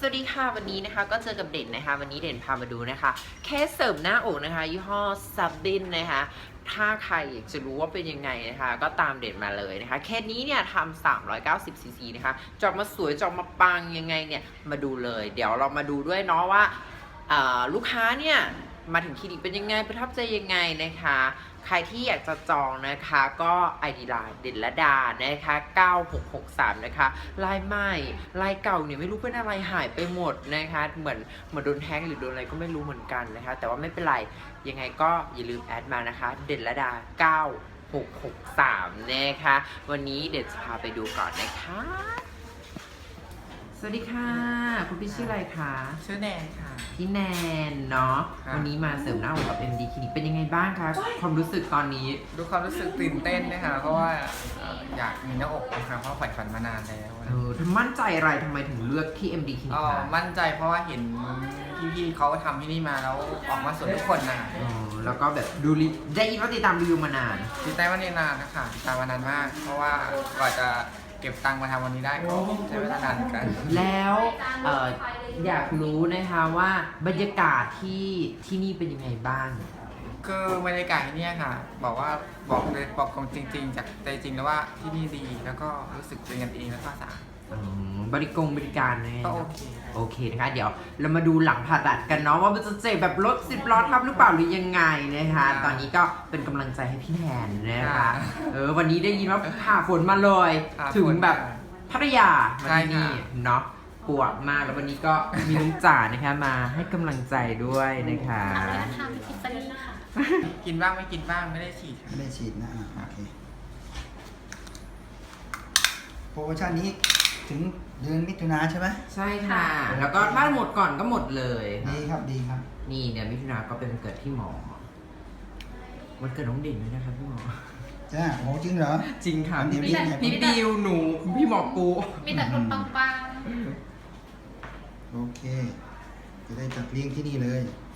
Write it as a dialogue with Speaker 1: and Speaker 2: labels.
Speaker 1: สวัสดีค่ะวันนี้นะคะก็เจอกับเด่นนะคะวันนี้เด่นพามาดูนะคะเคสเสริมหน้าอกนะคะยี่ห้อซับบินนะคะถ้าใครอยากจะรู้ว่าเป็นยังไงนะคะก็ตามเด่นมาเลยนะคะเคสนี้เนี่ยทำ390 ซีซีนะคะจอกมาสวยจอกมาปังยังไงเนี่ยมาดูเลยเดี๋ยวเรามาดูด้วยเนาะว่าลูกค้าเนี่ยมาถึงคลินิกเป็นยังไงประทับใจยังไงนะคะใครที่อยากจะจองนะคะก็ ID ไลน์เด่นละดานะคะ9663นะคะลายใหม่ลายเก่าเนี่ยไม่รู้เป็นอะไรหายไปหมดนะคะเหมือนโดนแฮงก์หรือโดนอะไรก็ไม่รู้เหมือนกันนะคะแต่ว่าไม่เป็นไรยังไงก็อย่าลืมแอดมานะคะเด่นละดา9663นะคะวันนี้เด่นจะพาไปดูก่อนนะคะสวัสดีค่ะคุณพี่ชื่ออะไรคะ
Speaker 2: ชื่อแนนค่ะ
Speaker 1: พี่แนนเนาะ
Speaker 2: ครับ
Speaker 1: วันนี้มาเสริมหน้าอกกับ MD คลินิกเป็นยังไงบ้างคะความรู้สึกตอนนี้
Speaker 2: ดูความรู้สึกตื่นเต้นนะคะเพราะว่าอยากมีหน้าอกนะคะเพราะใฝ่ฝันมานานแล้วนะ
Speaker 1: ทำมั่นใจอะไรทำไมถึงเลือกที่ MD คลินิกคะ
Speaker 2: มั่นใจเพราะว่าเห็นพี่ๆเขาทำที่นี่มาแล้วออกมาสวยทุกคนนะ
Speaker 1: แล้วก็แบบดูได้ยินว่าติดตามรีวิวมานาน
Speaker 2: ติดใจว่าเนนานนะคะติดตามมานานมาก เพราะว่ากว่าจะเก็บตังค์มาทำวันนี้ได้ก็ใช้เวลานานเหมือนกัน
Speaker 1: แล้วอยากรู้นะคะว่าบรรยากาศที่นี่เป็นยังไงบ้าง
Speaker 2: คือบรรยากาศที่นี่ค่ะบอกเลยบอกความจริงๆจากใจจริงแล้วว่าที่นี่ดีแล้วก็รู้สึกเป็นกันเองแล้วก็สะอาด
Speaker 1: บริการนะ
Speaker 2: ก็โอเค
Speaker 1: โอเคนะคะเดี๋ยวเรามาดูหลังผ่าตัดกันเนาะว่ามันจะเจ็บแบบรถ10 ล้อทับหรือเปล่าหรือยังไงนะคะตอนนี้ก็เป็นกำลังใจให้พี่แทนนะคะวันนี้ได้ยินว่าผ่าฝนมาเลยถึงแบบพัทยามาที่นี่เนาะปวดมากแล้ววันนี้ก็มีน้องจ๋านะคะมาให้กำลังใจด้วยนะคะ
Speaker 3: ทำทิฟฟานี่ค่ะ
Speaker 2: กินบ้างไม่กินบ้างไม่ได้ฉีดค่ะ
Speaker 4: ไม่ได้ฉีดนะโอเคโปรโมชั่นนี้ถึงเดือนมิถุนาใช่ไหม
Speaker 1: ใช่ค่ะ แล้วก็ถ้าหมดก่อนก็หมดเลย
Speaker 4: ดีครับดีครับ
Speaker 1: นี่เดี๋ยวมิถุนาก็เป็นวันเกิดพี่หมอวันเกิดน้องเด่นด้วยนะครับพี่หมอ
Speaker 4: จ้าโอ้จริงเหรอ
Speaker 1: จริงค่ะ
Speaker 4: วันนี้
Speaker 1: พี่บิวหนูพี่หมอปู
Speaker 3: มีแต่คนปัง
Speaker 4: โอเค จะได้จัดเลี้ยงที่นี่เลย
Speaker 3: ๆ